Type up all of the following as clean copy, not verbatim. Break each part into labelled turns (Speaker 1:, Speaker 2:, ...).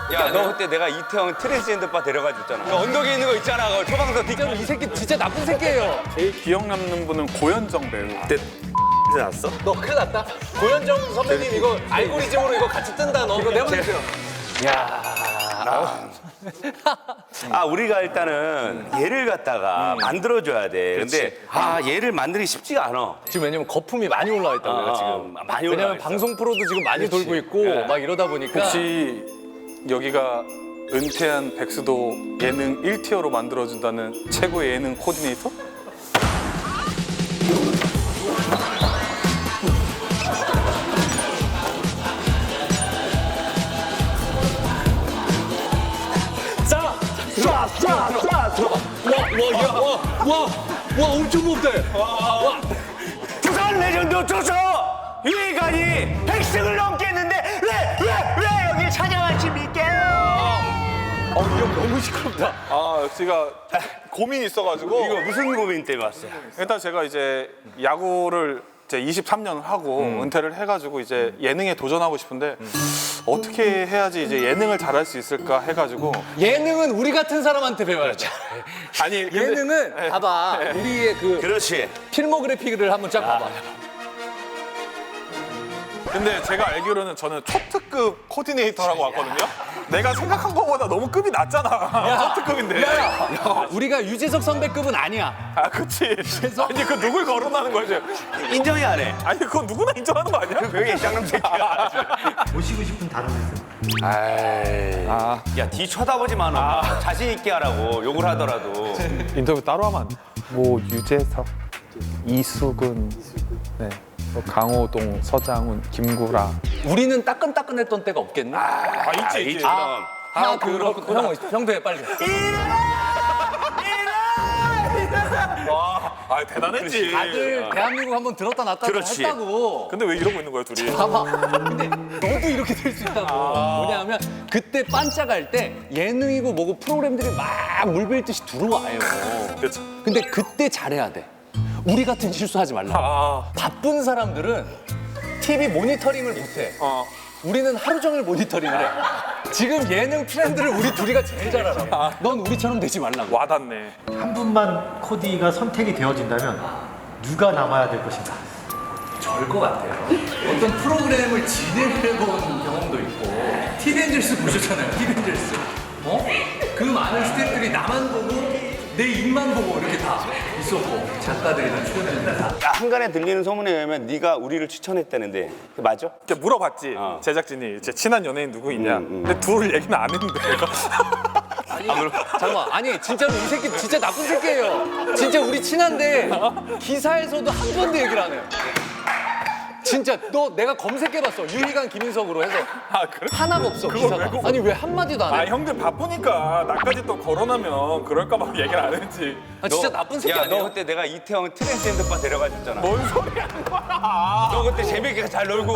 Speaker 1: 야, 너 그때 내가 이태원 트랜스젠더 바 데려가 줬잖아. 그 언덕에 있는 거 있잖아. 그 초방석 뒷자로
Speaker 2: 이 새끼 진짜 나쁜 새끼예요.
Speaker 3: 제일 기억 남는 분은 고현정 배우.
Speaker 1: 그때 났어?
Speaker 2: 너 큰일 났다. 고현정 선배님 이거 알고리즘으로 이거 같이 뜬다. 너 이거 내보내세요.
Speaker 1: 우리가 일단은 얘를 갖다가 만들어줘야 돼. 근데 얘를 만들기 쉽지가 않아.
Speaker 2: 지금 왜냐면 거품이 많이 올라와 있다고 내가 지금.
Speaker 1: 많이 올라와
Speaker 2: 왜냐면
Speaker 1: 있어.
Speaker 2: 방송 프로도 지금 많이 돌고 있고 막 이러다 보니까.
Speaker 3: 혹시 여기가 은퇴한 백수도 예능 1티어로 만들어준다는 최고의 예능 코디네이터?
Speaker 2: 와 엄청 높다.
Speaker 1: 부산 레전드 조서 유희관이 100승을 넘겠는데 왜 여길 찾아왔습니까?
Speaker 2: 이 형 너무 시끄럽다.
Speaker 3: 제가 고민이 있어가지고
Speaker 1: 이거 무슨 고민 때문에 왔어요?
Speaker 3: 일단 제가 이제 야구를 이제 23년을 하고 은퇴를 해가지고 이제 예능에 도전하고 싶은데 어떻게 해야지 이제 예능을 잘할 수 있을까 해가지고
Speaker 2: 예능은 우리 같은 사람한테 배워야죠.
Speaker 3: 아니 근데-
Speaker 2: 예능은 봐봐 우리의 그
Speaker 1: 그렇지.
Speaker 2: 필모그래피를 한번 쫙 봐봐.
Speaker 3: 근데 제가 알기로는 저는 초특급 코디네이터라고 왔거든요. 내가 생각한 것보다 너무 급이 낮잖아. 초특급인데.
Speaker 2: 우리가 유재석 선배급은 아니야.
Speaker 3: 그치. 아니 그 누굴 거론하는 거죠?
Speaker 1: 인정이 안 해.
Speaker 3: 아니 그건 누구나 인정하는 거 아니야?
Speaker 1: 왜 쌍놈 새끼야.
Speaker 4: 모시고 싶은 다른 말씀.
Speaker 1: 야, 뒤 쳐다보지 마, 너. 자신 있게 하라고, 욕을 하더라도.
Speaker 3: 인터뷰 따로 하면 안 돼.
Speaker 5: 뭐 유재석, 이수근, 네, 뭐 강호동, 서장훈, 김구라.
Speaker 2: 우리는 따끈따끈했던 때가 없겠네.
Speaker 3: 있지.
Speaker 2: 그렇구나. 형도 해 빨리.
Speaker 3: 대단했지.
Speaker 2: 다들 대한민국 한번 들었다 놨다
Speaker 1: 그렇지.
Speaker 2: 했다고.
Speaker 3: 근데 왜 이러고 있는 거야 둘이?
Speaker 2: 봐봐. 근데 너도 이렇게 될 수 있다고. 뭐냐면 그때 반짝할 때 예능이고 뭐고 프로그램들이 막 물밀듯이 들어와요.
Speaker 3: 그렇죠.
Speaker 2: 근데 그때 잘해야 돼. 우리 같은 실수하지 말라. 바쁜 사람들은 TV 모니터링을 못해. 우리는 하루 종일 모니터링을 해. 지금 예능 트렌드를 우리 둘이가 제일 잘 알아. 넌 우리처럼 되지 말라고.
Speaker 3: 와닿네.
Speaker 4: 한 분만 코디가 선택이 되어진다면 누가 남아야 될 것인가?
Speaker 2: 절 것 같아요. 어떤 프로그램을 진행해본 경험도 있고 티벤젤스 보셨잖아요. 티벤젤스. 그 많은 스태프들이 나만 보고 내 입만 보고 이렇게 다 있었고 작가들이나 출연진들 다.
Speaker 1: 야, 한간에 들리는 소문에 의하면 네가 우리를 추천했다는데. 그거 맞아?
Speaker 3: 이렇게 물어봤지. 제작진이 제 친한 연예인 누구 있냐. 근데 둘 얘기는 안 했는데 내가.
Speaker 2: 잠깐만, 아니 진짜로 이 새끼 진짜 나쁜 새끼예요. 진짜 우리 친한데 기사에서도 한 번도 얘기를 안 해요. 진짜 너 내가 검색해봤어. 유희관 김인석으로 해서
Speaker 3: 그래?
Speaker 2: 하나가 없어
Speaker 3: 그걸
Speaker 2: 기사가.
Speaker 3: 왜 그거-
Speaker 2: 아니 왜 한마디도 안 해?
Speaker 3: 형들 바쁘니까 나까지 또 거론하면 그럴까 봐 얘기를 안 했지.
Speaker 2: 진짜 나쁜 새끼
Speaker 1: 야,
Speaker 2: 아니야?
Speaker 1: 너 그때 내가 이태원 트랜스젠더 바 데려가 줬잖아.
Speaker 3: 뭔 소리 하는 거야?
Speaker 1: 너 그때 재밌게 잘 놀고.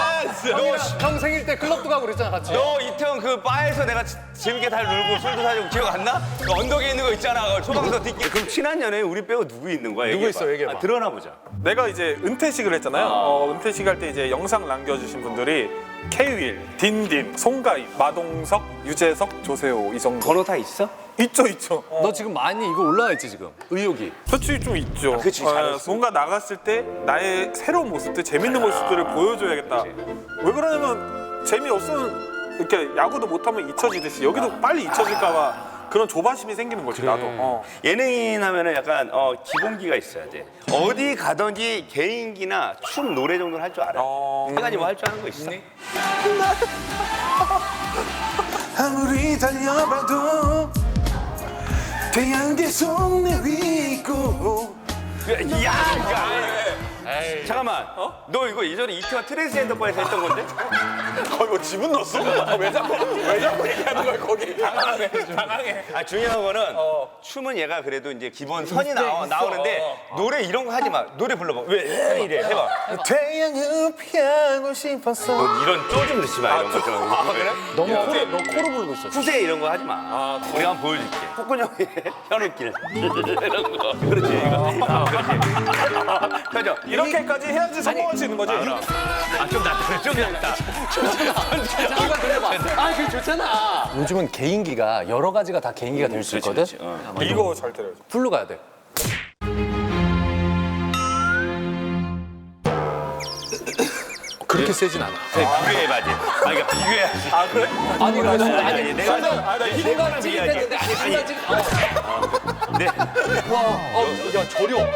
Speaker 2: 형 생일 때 클럽도 가고 그랬잖아 같이.
Speaker 1: 너 이태원 그 바에서 내가 재밌게 잘 놀고 술도 사주고 기억 안 나? 그 언덕에 있는 거 있잖아. 그 초방석 뒷길. 그럼 친한 연예인 우리 빼고 누구 있는 거야?
Speaker 2: 누구 있어, 얘기해봐.
Speaker 1: 드러나 보자.
Speaker 3: 내가 이제 은퇴식을 했잖아요. 은퇴식 할 때 이제 영상 남겨주신 분들이 K-윌, 딘딘, 송가인, 마동석, 유재석, 조세호 이 정도.
Speaker 1: 번호 다 있어?
Speaker 3: 있죠.
Speaker 2: 너 지금 많이 이거 올라와 있지 지금 의욕이.
Speaker 3: 솔직히 좀 있죠.
Speaker 1: 그치, 잘했어.
Speaker 3: 뭔가 나갔을 때 나의 새로운 모습들, 재밌는 모습들을 보여줘야겠다. 왜 그러냐면 재미없으면 이렇게 야구도 못하면 잊혀지듯이 여기도 빨리 잊혀질까 봐 그런 조바심이 생기는 거지 나도.
Speaker 1: 예능인 하면은 약간 기본기가 있어야 돼. 어디 가든지 개인기나 춤, 노래 정도는 할 줄 알아. 한 가지 뭐 할 줄 아는 거 있어?
Speaker 3: 아무리 달려봐도 태양 계속 내리고.
Speaker 1: 잠깐만. 너 이거 예전에 이태원 트랜스젠더 바에서 했던 건데?
Speaker 3: 이거 지분 넣었어? 왜 자꾸 얘기하는 거야 거기? 당황해.
Speaker 1: 중요한 거는 춤은 얘가 그래도 이제 기본 선이 나오는데 노래 이런 거 하지 마. 노래 불러봐. 왜 이래? 해봐.
Speaker 3: 태양을 피하고 싶었어.
Speaker 1: 너 이런 쪼 좀 넣지 마 이런 거 좀.
Speaker 3: 그래?
Speaker 2: 너 코로 부르고 있어.
Speaker 1: 후세 이런 거 하지 마. 우리가 한번 보여줄게. 폭군형의 현우길 이런 거. 그렇지 이거. 그렇지. 펴져.
Speaker 3: 이렇게까지 해야지 성공할 수 있는 거지.
Speaker 1: 좀 낫다. 좀 낫다.
Speaker 2: 잠깐 들려봐. 아, 그 맞잖아. 요즘은 개인기가 여러 가지가 다 개인기가 될 수 있거든.
Speaker 3: 이거 잘 때려야지.
Speaker 2: 풀로 가야 돼. 그렇게 세진 않아.
Speaker 1: 비교해봐지. 그러니까 비교해야지.
Speaker 3: 아 그래?
Speaker 2: 아니
Speaker 1: 아니, 내가
Speaker 2: 내가 찌릿했는데 아니 순간 찌릿.
Speaker 1: 네.
Speaker 2: 야 저렴.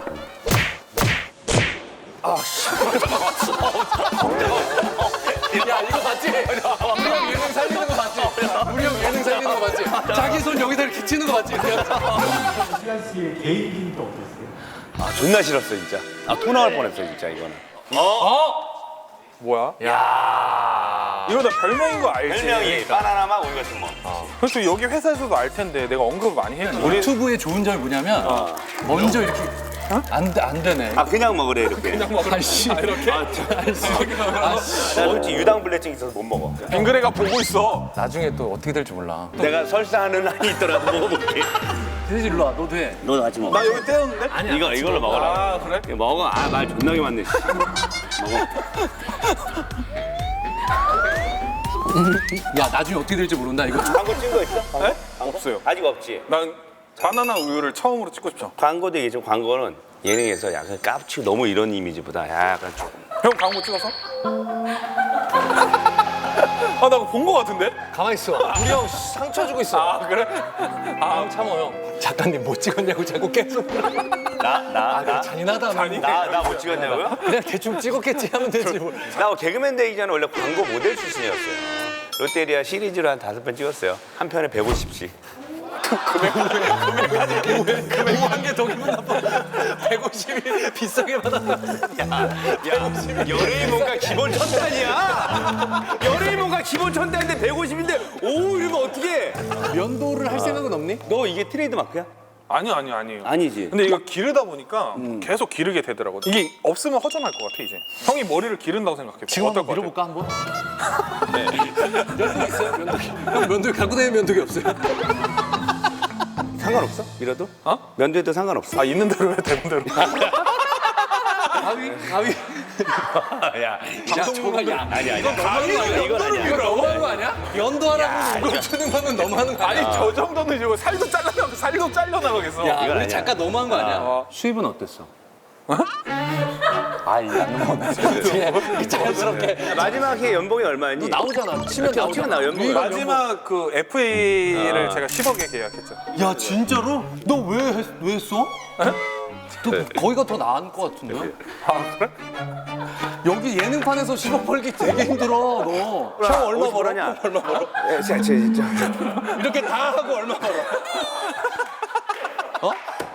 Speaker 2: 야 이거 맞지? 우리 형 예능 살리는 거 맞지? 우리 형 예능 살리는 거 맞지? 자기 손 여기다 이렇게 치는 거 맞지?
Speaker 4: 시간 씨의 개인기는 또 어땠어요?
Speaker 1: 아 존나 싫었어 진짜. 토 나올 뻔했어 진짜 이거는.
Speaker 3: 뭐야?
Speaker 2: 야.
Speaker 3: 이거 나 별명인 거 알지?
Speaker 1: 별명이 바나나 맛 우유 같은 거.
Speaker 3: 그렇죠. 여기 회사에서도 알 텐데 내가 언급 많이 했는데. 우리
Speaker 2: 유튜브의 좋은 점이 뭐냐면 먼저 이렇게 안 되네.
Speaker 1: 그냥 먹으래 이렇게.
Speaker 3: 그냥 먹을
Speaker 2: 아이씨.
Speaker 3: 이렇게?
Speaker 1: 나 솔직히 유당불내증 있어서 못 먹어.
Speaker 3: 빙그레가 보고 있어.
Speaker 2: 나중에 또 어떻게 될지 몰라.
Speaker 1: 내가 설사하는 한이 있더라도 먹어볼게.
Speaker 2: 대지 일로 와. 너도 해.
Speaker 1: 너도 같이 먹어.
Speaker 3: 나 여기 떼었는데?
Speaker 2: 아니야.
Speaker 1: 이걸로 먹어라.
Speaker 3: 아 그래?
Speaker 1: 이거 먹어. 말 존나게 많네. 씨. 먹어.
Speaker 2: 야 나중에 어떻게 될지 모른다 이거.
Speaker 1: 광고 찍은 거 있어?
Speaker 3: 네? 없어요.
Speaker 1: 아직 없지.
Speaker 3: 난 바나나 우유를 처음으로 찍고 싶죠.
Speaker 1: 광고도 얘기죠. 광고는 예능에서 약간 깝치고 너무 이런 이미지보다 약간 조금.
Speaker 3: 형 광고 찍었어? 아 나 본 거 같은데?
Speaker 2: 가만히 있어. 우리 형 상처 주고 있어.
Speaker 3: 아 그래?
Speaker 2: 형 참어 형. 작가님 못 찍었냐고 자꾸 계속.
Speaker 1: 나
Speaker 2: 잔인하다.
Speaker 1: 나 못 찍었냐고요?
Speaker 2: 그냥 대충 찍었겠지 하면 되지 뭐.
Speaker 1: 나 개그맨 되기 전에 원래 광고 모델 출신이었어요. 롯데리아 시리즈로 한 5편 찍었어요. 한 편에 150씩.
Speaker 2: 금액한 게 더 기분 나빠. 150이 비싸게 받았다.
Speaker 1: 연예인 뭔가 기본 천단이야. 연예인 뭔가 기본 천단인데 150인데 오 이러면 어떡해.
Speaker 2: 면도를 할 생각은 없니?
Speaker 1: 너 이게 트레이드 마크야?
Speaker 3: 아니에요.
Speaker 1: 아니지.
Speaker 3: 근데 이거 기르다 보니까 계속 기르게 되더라고. 이게 없으면 허전할 것 같아 이제. 형이 머리를 기른다고 생각해.
Speaker 2: 지금
Speaker 3: 어떨
Speaker 2: 한번
Speaker 3: 것 같아?
Speaker 2: 밀어볼까 한번? 네. 면도기 있어요? 면도기. 형 면도기 갖고 다니는 면도기 없어요?
Speaker 1: 상관없어? 밀어도?
Speaker 3: 어?
Speaker 1: 면도해도 상관없어.
Speaker 3: 아 있는 대로 해 되는 대로.
Speaker 2: 가위.
Speaker 1: 야,
Speaker 2: 방송국은 야.
Speaker 1: 아니야.
Speaker 3: 가위는
Speaker 1: 이건 아니야.
Speaker 2: 이거 너무한 거 아니야? 연도하라고 이거 주는 거는 너무하는 거
Speaker 3: 아니
Speaker 2: 아니야?
Speaker 3: 저 정도는 이거 살도 잘려나가겠어.
Speaker 2: 야,
Speaker 1: 이건
Speaker 2: 우리
Speaker 1: 아니야.
Speaker 2: 작가 너무한 거 아니야? 수입은 어땠어? 아, 이거 안 넘어가네. 자연스럽게.
Speaker 1: 마지막에 연봉이 얼마였니?
Speaker 2: 나오잖아. 치면
Speaker 1: 치면 나와, 연봉이.
Speaker 2: 유희가
Speaker 3: 마지막 그 FA를 제가 10억에 계약했죠.
Speaker 2: 야, 진짜로? 너 왜 했어? 너 거기가 더 나은 것 같은데?
Speaker 3: 아 그래?
Speaker 2: 여기 예능판에서 10억 벌기 되게 힘들어, 너. 형 얼마
Speaker 1: 어디서 벌었냐?
Speaker 2: 얼마 벌어?
Speaker 1: 진짜.
Speaker 2: 이렇게 다 하고 얼마 벌어? 어?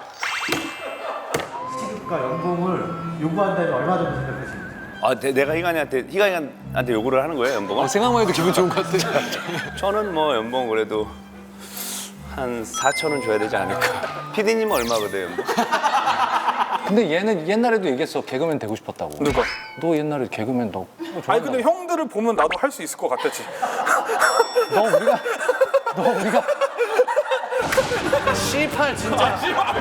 Speaker 4: 시급과 연봉을 요구한다면 얼마 정도 생각하십니까?
Speaker 1: 내가 희관이한테 요구를 하는 거예요, 연봉을?
Speaker 2: 생각만 해도 기분 좋은 것 같아.
Speaker 1: 저는 뭐 연봉 그래도 한 4천은 줘야 되지 않을까. PD님은 얼마거든, 연봉?
Speaker 2: 근데 얘는 옛날에도 얘기했어. 개그맨 되고 싶었다고.
Speaker 3: 누가?
Speaker 2: 너 옛날에 개그맨 너
Speaker 3: 아니 근데 형들을 보면 나도 할 수 있을 것 같았지.
Speaker 2: 너 우리가 C8 진짜.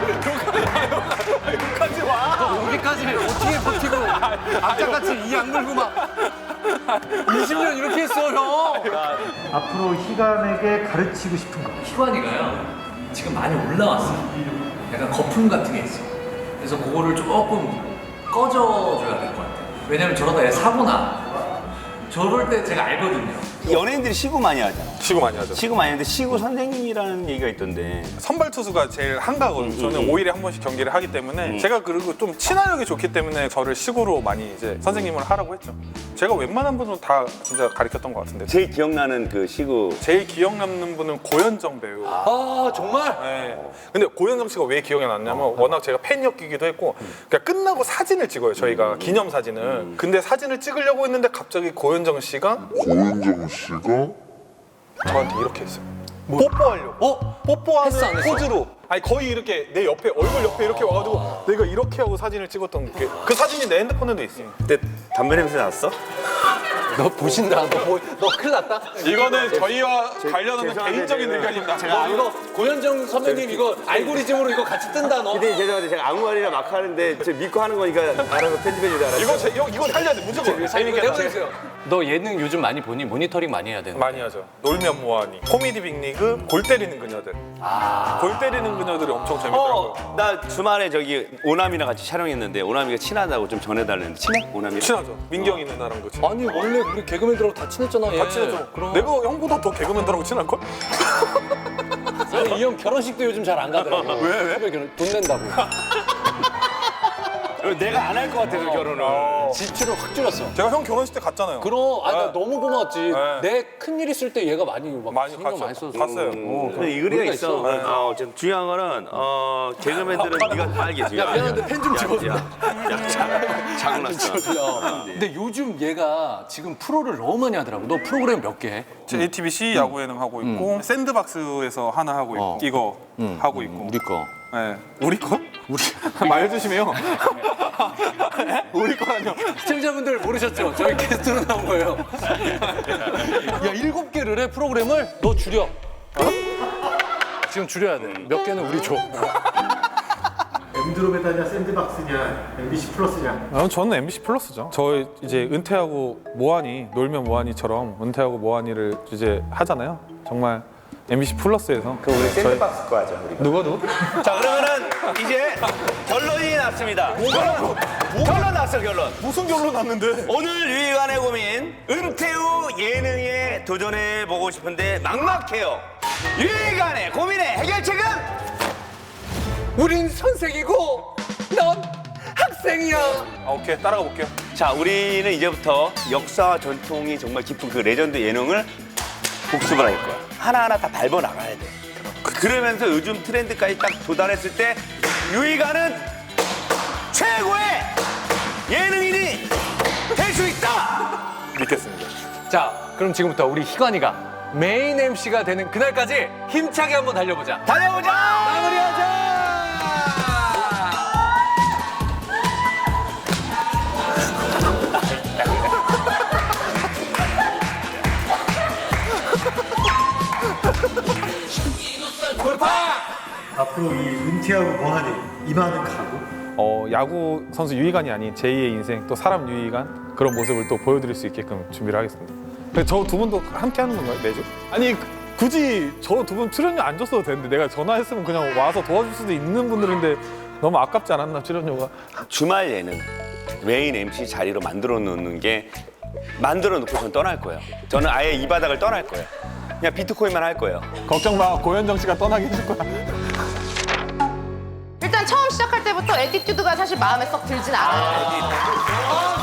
Speaker 3: 여기까지 와.
Speaker 2: 너 여기까지 어떻게 버티고 아까같이 이 악물고 막 20년 이렇게 했어 형.
Speaker 4: 앞으로 희감에게 가르치고 싶은 거.
Speaker 2: 희관이가요 지금 많이 올라왔어요. 약간 거품 같은 게 있어. 그래서 그거를 조금 꺼져줘야 될 것 같아요. 왜냐면 저러다 얘 사고나. 저럴 때 제가 알거든요.
Speaker 1: 연예인들이 시구 많이 하잖아.
Speaker 3: 시구 많이 하죠.
Speaker 1: 시구 많이 하는데 시구 선생님이라는 얘기가 있던데.
Speaker 3: 선발 투수가 제일 한가거든요. 저는 5일에 한 번씩 경기를 하기 때문에 제가 그리고 좀 친화력이 좋기 때문에 저를 시구로 많이 이제 선생님을 하라고 했죠. 제가 웬만한 분은 다 진짜 가르쳤던 것 같은데
Speaker 1: 제일 기억나는 그 시구.
Speaker 3: 제일 기억 남는 분은 고현정 배우.
Speaker 2: 아 정말?
Speaker 3: 네. 근데 고현정 씨가 왜 기억에 남냐면 워낙 제가 팬이었기도 했고 그러니까 끝나고 사진을 찍어요. 저희가 기념 사진을. 근데 사진을 찍으려고 했는데 갑자기 고현정 씨가 저한테 이렇게 했어요. 뽀뽀하려고. 뽀뽀하는
Speaker 2: 했어, 안 했어?
Speaker 3: 포즈로. 아니 거의 이렇게 내 옆에 얼굴 옆에 이렇게 와가지고 내가 이렇게 하고 사진을 찍었던 게 그 사진이 내 핸드폰에도 있어요.
Speaker 1: 그때 담배 냄새 났어?
Speaker 2: 너 보신다. 너 큰일 났다.
Speaker 3: 이거는 저희와 관련없는
Speaker 1: 죄송한데
Speaker 3: 개인적인
Speaker 1: 제가-
Speaker 3: 의견입니다.
Speaker 2: 너 이거 고현정 선배님 이거 알고리즘으로 이거 같이 뜬다 너.
Speaker 1: 근데 죄송한데 제가 아무 말이나 막 하는데 저 믿고 하는 거니까 알아서 편집해 주자.
Speaker 3: 이거 살려야 돼 무조건. 재밌게
Speaker 2: 해보세요. 너 예능 요즘 많이 보니? 모니터링 많이 해야 되는.
Speaker 3: 많이 하죠. 놀면 뭐하니. 코미디 빅리그 골 때리는 그녀들. 골 때리는 그녀들이 엄청 재밌더라고요.
Speaker 1: 나 주말에 저기 오남이랑 같이 촬영했는데 오남이가 친하다고 좀 전해달랬는데 친해? 오남이?
Speaker 3: 친하죠. 민경이 누나랑도 친해.
Speaker 2: 아니 원래 우리 개그맨들하고 다 친했잖아. 얘.
Speaker 3: 다 친하죠.
Speaker 2: 그럼.
Speaker 3: 내가 형보다 더 개그맨들하고 친할걸?
Speaker 2: 아니 이 형 결혼식도 요즘 잘 안 가더라고. 왜? 결혼 돈 낸다고.
Speaker 1: 내가 안 할 것 같아서 결혼을.
Speaker 2: 지출을 확 줄였어.
Speaker 3: 제가 형 결혼식 때 갔잖아요.
Speaker 2: 그럼 나
Speaker 3: 네.
Speaker 2: 너무 고마웠지.
Speaker 3: 네.
Speaker 2: 내 큰일 있을 때 얘가 많이 막
Speaker 3: 많이
Speaker 2: 신경
Speaker 3: 갔죠.
Speaker 2: 많이 써서.
Speaker 3: 갔어요.
Speaker 1: 근데 이 의리가 있어. 좀 중요한 거는 개그맨들은 네가 빨개지.
Speaker 2: 야, 미안한데 펜좀 집어줘.
Speaker 1: 자고 났어.
Speaker 2: 근데 요즘 얘가 지금 프로를 너무 많이 하더라고. 너 프로그램 몇 개 해?
Speaker 3: JTBC 야구 예능 하고 있고 샌드박스에서 하나 하고 있고 이거 하고 있고.
Speaker 2: 우리 거.
Speaker 3: 네. 우리 거? 우리 말 조심해요. 우리 거 아니요.
Speaker 2: 시청자분들 모르셨죠? 저희 게스트로 나온 거예요. 야, 7개를 해 프로그램을 너 줄여. 지금 줄여야 돼. 몇 개는 우리 줘.
Speaker 4: 엠드로메다냐 샌드박스냐 MBC 플러스냐.
Speaker 5: 저는 MBC 플러스죠. 저 이제 은퇴하고 뭐하니 놀면 뭐하니처럼 은퇴하고 뭐하니를 이제 하잖아요. 정말 MBC 플러스에서
Speaker 1: 우리 샌드박스 거 하자. 우리.
Speaker 5: 누구?
Speaker 1: 자 그러면은 이제 결론이 났습니다. 결론 났어 결론.
Speaker 3: 무슨 결론 났는데?
Speaker 1: 오늘 유희관의 고민 은퇴 후 예능에 도전해 보고 싶은데 막막해요. 유희관의 고민의 해결책은
Speaker 2: 우린 선생이고 넌 학생이야.
Speaker 3: 오케이 따라가 볼게요.
Speaker 1: 자 우리는 이제부터 역사와 전통이 정말 깊은 그 레전드 예능을 복습을 할 거야. 하나하나 다 밟아 나가야 돼. 그러면서 요즘 트렌드까지 딱 도달했을 때 유희관은 최고의 예능인이 될 수 있다.
Speaker 3: 믿겠습니다.
Speaker 2: 자, 그럼 지금부터 우리 희관이가 메인 MC가 되는 그날까지 힘차게 한번 달려보자.
Speaker 1: 달려보자.
Speaker 2: 마무리하자.
Speaker 4: 앞으로 이 은퇴하고 뭐하니 이만은 가고.
Speaker 5: 야구 선수 유희관이 아닌 제2의 인생 또 사람 유희관 그런 모습을 또 보여드릴 수 있게끔 준비를 하겠습니다. 저 두 분도 함께 하는 건가요 매주? 아니 굳이 저 두 분 출연료 안 줬어도 되는데 내가 전화했으면 그냥 와서 도와줄 수도 있는 분들인데 너무 아깝지 않았나 출연료가?
Speaker 1: 주말 예능 메인 MC 자리로 만들어 놓는 게 만들어 놓고 전 떠날 거예요. 저는 아예 이 바닥을 떠날 거예요. 그냥 비트코인만 할 거예요.
Speaker 5: 걱정 마 고현정 씨가 떠나게 해줄 거야.
Speaker 6: 일단 처음 시작할 때부터 에티튜드가 사실 마음에 썩 들진 않아요.